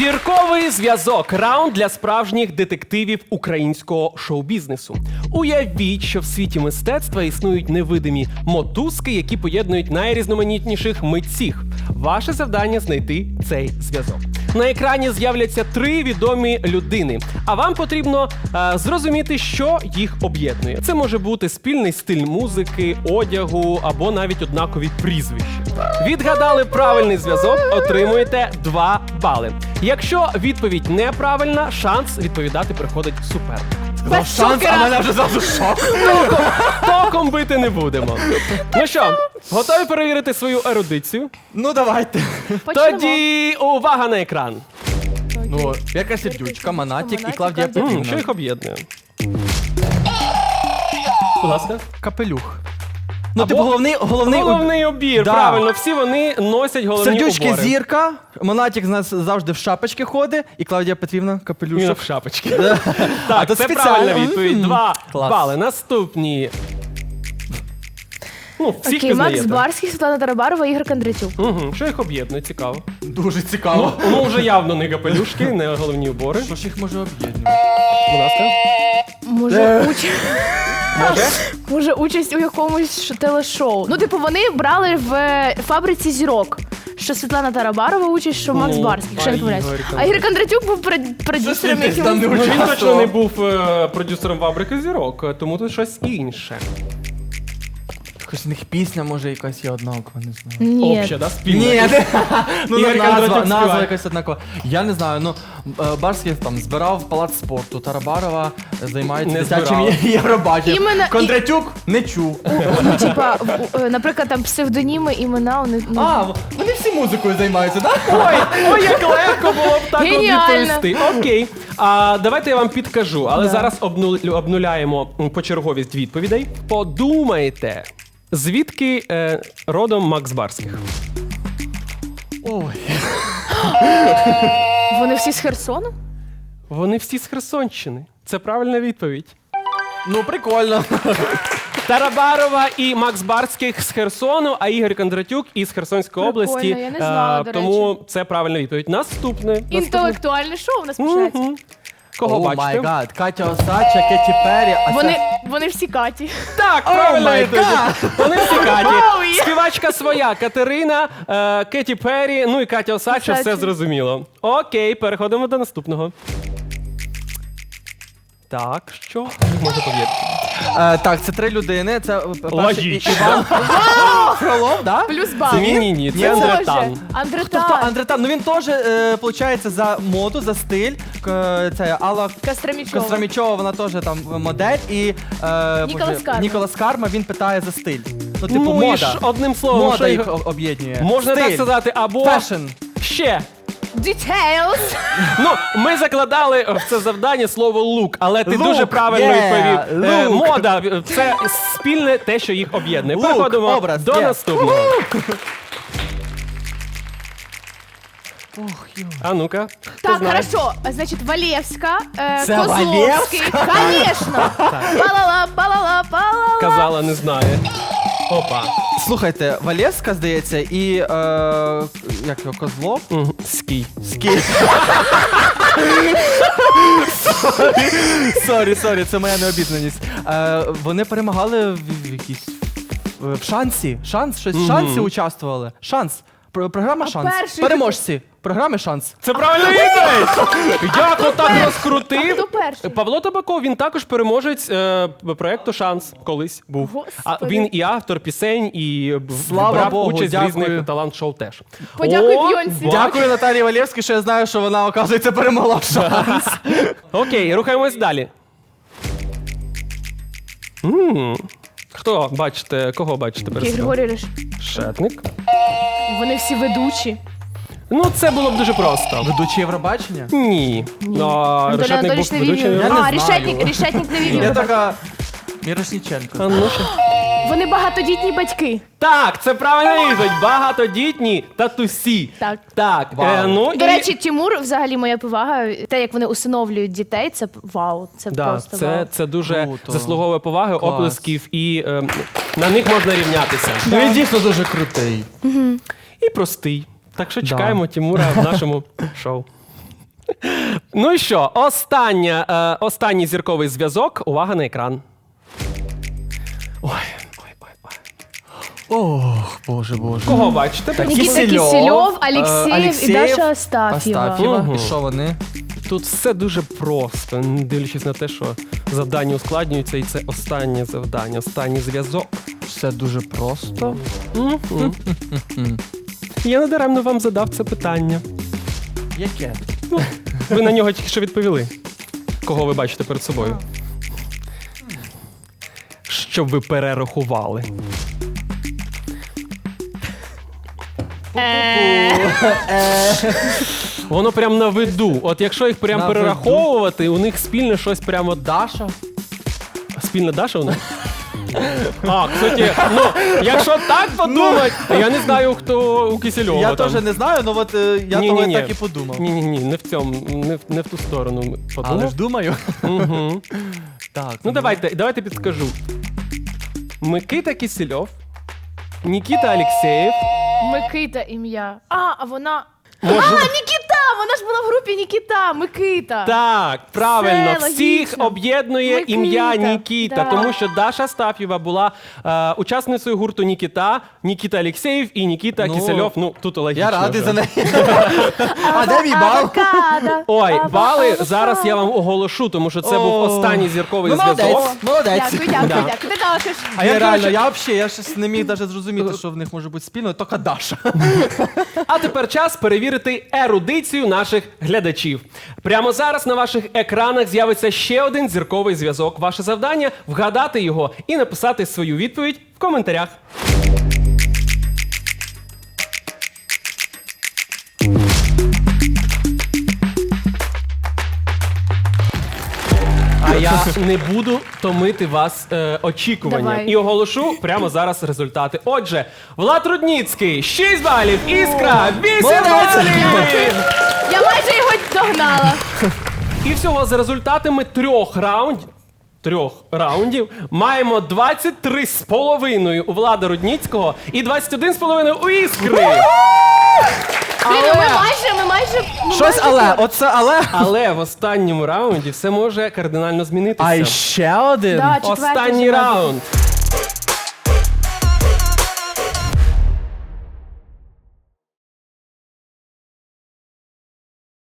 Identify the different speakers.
Speaker 1: Зірковий зв'язок – раунд для справжніх детективів українського шоу-бізнесу. Уявіть, що в світі мистецтва існують невидимі мотузки, які поєднують найрізноманітніших митців. Ваше завдання – знайти цей зв'язок. На екрані з'являться 3 відомі людини, а вам потрібно зрозуміти, що їх об'єднує. Це може бути спільний стиль музики, одягу або навіть однакові прізвища. Відгадали правильний зв'язок – отримуєте 2 бали. Якщо відповідь неправильна, шанс відповідати приходить супернику.
Speaker 2: Шанс, а мене вже зразу шок.
Speaker 1: Током бити не будемо. Ну що, готові перевірити свою ерудицію?
Speaker 2: Ну, давайте.
Speaker 1: Тоді увага на екран.
Speaker 2: Ну, Вірка Сердючка, Монатік і Клавдія
Speaker 1: Що
Speaker 2: Петрівна.
Speaker 1: їх об'єднує? Будь ласка.
Speaker 2: Капелюх. Ну,
Speaker 1: Або
Speaker 2: типу,
Speaker 1: Головний убір,
Speaker 2: Да.
Speaker 1: правильно. Всі вони носять головні
Speaker 2: Сердючки
Speaker 1: убори.
Speaker 2: зірка, Монатік з нас завжди в шапочці ходить, і Клавдія Петрівна
Speaker 1: Він
Speaker 2: капелюшок.
Speaker 1: в шапочці.
Speaker 2: А
Speaker 1: Так,
Speaker 2: то
Speaker 1: це
Speaker 2: спеціально.
Speaker 1: правильна відповідь. 2
Speaker 2: Клас.
Speaker 1: бали. Наступні. Ну, всіх
Speaker 3: Окей, Макс
Speaker 1: пізнаєте.
Speaker 3: Барський, Світлана Тарабарова, Ігор Кондратюк.
Speaker 1: Угу. Що їх об'єднує? Цікаво.
Speaker 2: Дуже цікаво.
Speaker 1: Ну, вже явно не капелюшки, не головні убори.
Speaker 2: Що ж їх може об'єднувати?
Speaker 1: Будь ласка.
Speaker 3: Може участь у якомусь телешоу. Ну, типу, вони брали в фабриці зірок. Що Світлана Тарабарова участь, що Макс
Speaker 1: Ну,
Speaker 3: Барський, якщо я не
Speaker 1: а
Speaker 3: помиляюсь.
Speaker 1: Ігор
Speaker 3: А Ігор Кондратюк був продюсером
Speaker 2: Десь там не
Speaker 3: якимось.
Speaker 1: Ну, він
Speaker 2: участвував.
Speaker 1: точно не був продюсером фабрики зірок, тому тут щось інше.
Speaker 2: Якось у них пісня, може, якась є однакова, не знаю.
Speaker 3: Ні.
Speaker 1: Обще, да? Спільна.
Speaker 2: Ні, ну
Speaker 1: Ігор Кондратюк
Speaker 2: назва
Speaker 1: співає.
Speaker 2: якась однакова. Я не знаю, ну Барський там збирав палац спорту, Тарабарова займається
Speaker 1: Не
Speaker 2: дитячим
Speaker 1: збирав.
Speaker 2: Євробаченням.
Speaker 3: Іменно-
Speaker 2: Кондратюк не чув.
Speaker 3: Ну, типа, наприклад, там псевдоніми, імена у них. ну,
Speaker 2: А, вони всі музикою займаються, так?
Speaker 1: Ой, як легко було б так от
Speaker 3: Геніально.
Speaker 1: відповісти. Окей. Давайте я вам підкажу, але зараз обнуляємо почерговість відповідей. Подумайте, звідки родом Макс Барських?
Speaker 2: Ой.
Speaker 3: Вони всі з Херсону?
Speaker 1: Вони всі з Херсонщини. Це правильна відповідь.
Speaker 2: Ну, прикольно.
Speaker 1: Тарабарова і Макс Барських з Херсону, а Ігор Кондратюк із Херсонської
Speaker 3: Прикольно,
Speaker 1: області.
Speaker 3: я не знала, до
Speaker 1: тому це правильна відповідь. Наступне.
Speaker 3: Інтелектуальне шоу у нас починається.
Speaker 1: Мгм. Кого
Speaker 2: О май
Speaker 1: бачите?
Speaker 2: гад, Катя Осадча, Кеті Перрі, а
Speaker 3: Вони всі Каті.
Speaker 1: Так, правильно
Speaker 2: май
Speaker 1: відповідь. Вони всі Каті.
Speaker 3: Оу, є.
Speaker 1: Співачка своя, Катерина, Кеті Перрі, ну і Катя Осадча, все
Speaker 3: Осадча.
Speaker 1: зрозуміло. Окей, переходимо до наступного. Так, що може повірити?
Speaker 2: так, це 3 людини. Це перший
Speaker 1: Логічно.
Speaker 2: Іван Фролов, да?
Speaker 3: Плюс бал.
Speaker 1: Ні, це
Speaker 3: Боже,
Speaker 1: Андретан.
Speaker 3: Андретан.
Speaker 2: Тобто Андретан, ну він теж, виходить, за моду, за стиль. Це Алла
Speaker 3: Костромічова.
Speaker 2: Костромічова, вона теж там модель. І
Speaker 3: Ніколас Карма.
Speaker 2: Ніколас Карма, він питає за стиль. Ну, типу,
Speaker 1: Ну і
Speaker 2: мода.
Speaker 1: ж одним словом,
Speaker 2: Мода
Speaker 1: що
Speaker 2: їх
Speaker 1: їх
Speaker 2: об'єднує.
Speaker 1: можна
Speaker 2: стиль.
Speaker 1: так сказати, або
Speaker 2: Фешн.
Speaker 1: ще.
Speaker 3: Details.
Speaker 1: Ну, ми закладали в це завдання слово лук, але ти
Speaker 2: Лук,
Speaker 1: дуже правильно
Speaker 2: yeah,
Speaker 1: відповів.
Speaker 2: лук.
Speaker 1: Мода це спільне те, що їх об'єднує.
Speaker 2: Лук,
Speaker 1: Переходимо
Speaker 2: образ,
Speaker 1: до
Speaker 2: yeah.
Speaker 1: наступного. А ну-ка. хто
Speaker 3: Так,
Speaker 1: знає?
Speaker 3: хорошо. Значить, Валєвська,
Speaker 2: Це
Speaker 3: Козловський. Конечно. Палала, палала, палала.
Speaker 1: Казала, не знає. Опа.
Speaker 2: Слухайте, Валєвська, здається, і як його, Козлов?
Speaker 1: Скій.
Speaker 2: Сорі, це моя необізнаність. Вони перемагали в якійсь в шансі. Щось в шансі участвували. Шанс. Програма Шанс.
Speaker 3: перший-
Speaker 2: Переможці. Програми Шанс.
Speaker 1: Це правильна відповідь! Як отак розкрутив?
Speaker 3: Хто перший?
Speaker 1: Павло Табаков, він також переможець проєкту «Шанс» колись був. А
Speaker 3: Господи.
Speaker 1: він і автор пісень, і
Speaker 2: Слава
Speaker 1: брав
Speaker 2: Богу,
Speaker 1: участь в
Speaker 2: дякую.
Speaker 1: різних талант-шоу теж.
Speaker 3: Подякуй
Speaker 1: О,
Speaker 3: Бйонсі.
Speaker 1: бач.
Speaker 2: Дякую Наталії Валєвській, що я знаю, що вона, оказується, перемогла в Шанс.
Speaker 1: Окей, рухаємось далі. Хто бачите, кого бачите
Speaker 3: Окей,
Speaker 1: перед собою?
Speaker 3: Григорій
Speaker 1: Шетник.
Speaker 3: Вони всі ведучі.
Speaker 1: Ну, це було б дуже просто.
Speaker 2: Ведучі Євробачення?
Speaker 1: Ні.
Speaker 3: Анатолій
Speaker 1: Решетник
Speaker 3: Анатолійович
Speaker 1: був
Speaker 3: не
Speaker 1: ведучим.
Speaker 3: вів.
Speaker 2: Я не
Speaker 3: А,
Speaker 2: знаю.
Speaker 3: Решетник не вів.
Speaker 2: Я
Speaker 3: Євробачення.
Speaker 2: така... Мірошніченко.
Speaker 1: А ну що?
Speaker 3: Вони багатодітні батьки.
Speaker 1: Так, це правильна відповідь. Багатодітні татусі.
Speaker 3: Так.
Speaker 1: Так.
Speaker 2: Вау.
Speaker 1: Ну,
Speaker 3: До
Speaker 1: і...
Speaker 3: речі, Тимур, взагалі, моя повага. Те, як вони усиновлюють дітей, це вау. Це
Speaker 1: Да,
Speaker 3: просто вау.
Speaker 1: це дуже
Speaker 2: Круто.
Speaker 1: заслуговує поваги,
Speaker 2: Клас.
Speaker 1: оплесків, і на них можна рівнятися.
Speaker 2: Ну він дійсно дуже крутий.
Speaker 1: І простий. Так що чекаємо Тимура в нашому шоу. Ну і що, останній зірковий зв'язок. Увага на екран. Ой.
Speaker 2: Ох, боже.
Speaker 1: Кого бачите?
Speaker 3: Нікіта
Speaker 2: Кисельов,
Speaker 3: Кисельов, Алексєєв і
Speaker 2: Алексєєв,
Speaker 3: Даша Астаф'єва.
Speaker 2: Астаф'єва. І що вони?
Speaker 1: Тут все дуже просто, не дивлячись на те, що завдання ускладнюються, і це останнє завдання, останній зв'язок.
Speaker 2: Все дуже просто.
Speaker 1: Я надаремно вам задав це питання.
Speaker 2: Яке?
Speaker 1: Ви на нього тільки що відповіли. Кого ви бачите перед собою? Щоб ви перерахували. Воно прям на виду. От якщо їх прям
Speaker 2: На
Speaker 1: перераховувати, у них спільне щось прямо.
Speaker 2: Даша?
Speaker 1: Спільна Даша у них? А, кстати, ну, якщо так подумати, я не знаю, хто у Кисельова.
Speaker 2: Я
Speaker 1: там.
Speaker 2: теж не знаю, але от я
Speaker 1: Ні-ні-ні.
Speaker 2: того так і подумав.
Speaker 1: Ні, не в цьому, не в ту сторону подумав.
Speaker 2: Але ж думаю.
Speaker 1: Угу.
Speaker 2: Так.
Speaker 1: Ну давайте підскажу. Микита Кисельов, Нікіта Алексєєв.
Speaker 3: Микита ім'я. А вона...
Speaker 1: Може-
Speaker 3: Нікіта! Вона ж була в групі Нікіта, Микита.
Speaker 1: Так, правильно,
Speaker 3: Все
Speaker 1: всіх
Speaker 3: логічно.
Speaker 1: об'єднує
Speaker 3: Микита,
Speaker 1: ім'я Нікіта,
Speaker 3: да.
Speaker 1: тому що Даша Астаф'єва була учасницею гурту Нікіта, Нікіта Алексєєв і Нікіта
Speaker 2: Ну,
Speaker 1: Кисельов. Ну, тут логічно.
Speaker 2: Я радий
Speaker 1: вже.
Speaker 2: за неї. А де мій бал?
Speaker 3: Авокадо.
Speaker 1: Ой, бали
Speaker 3: Авокадо.
Speaker 1: зараз я вам оголошу, тому що це був
Speaker 2: О.
Speaker 1: останній зірковий
Speaker 2: Ну,
Speaker 1: зв'язок.
Speaker 2: молодець.
Speaker 3: Дякую.
Speaker 1: Да.
Speaker 3: Ти також.
Speaker 2: А я реально,
Speaker 1: коротше-
Speaker 2: я взагалі, я щось не міг навіть зрозуміти, що в них може бути спільно, тільки Даша.
Speaker 1: А тепер час перевірити ерудицію наших глядачів. Прямо зараз на ваших екранах з'явиться ще один зірковий зв'язок. Ваше завдання – вгадати його і написати свою відповідь в коментарях. А я не буду томити вас очікуванням.
Speaker 3: Давай.
Speaker 1: І оголошу прямо зараз результати. Отже, Влад Рудніцький – 6 балів, Іскра – 8 балів!
Speaker 3: Я майже його догнала.
Speaker 1: І всього за результатами трьох раундів маємо 23,5 у Влада Рудніцького і 21,5 у Іскри.
Speaker 3: Блін, ну ми майже...
Speaker 2: Щось але, оце але.
Speaker 1: Але в останньому раунді все може кардинально змінитися.
Speaker 2: А ще один?
Speaker 3: Да, четвертий
Speaker 1: Останній
Speaker 3: вже
Speaker 1: раунд.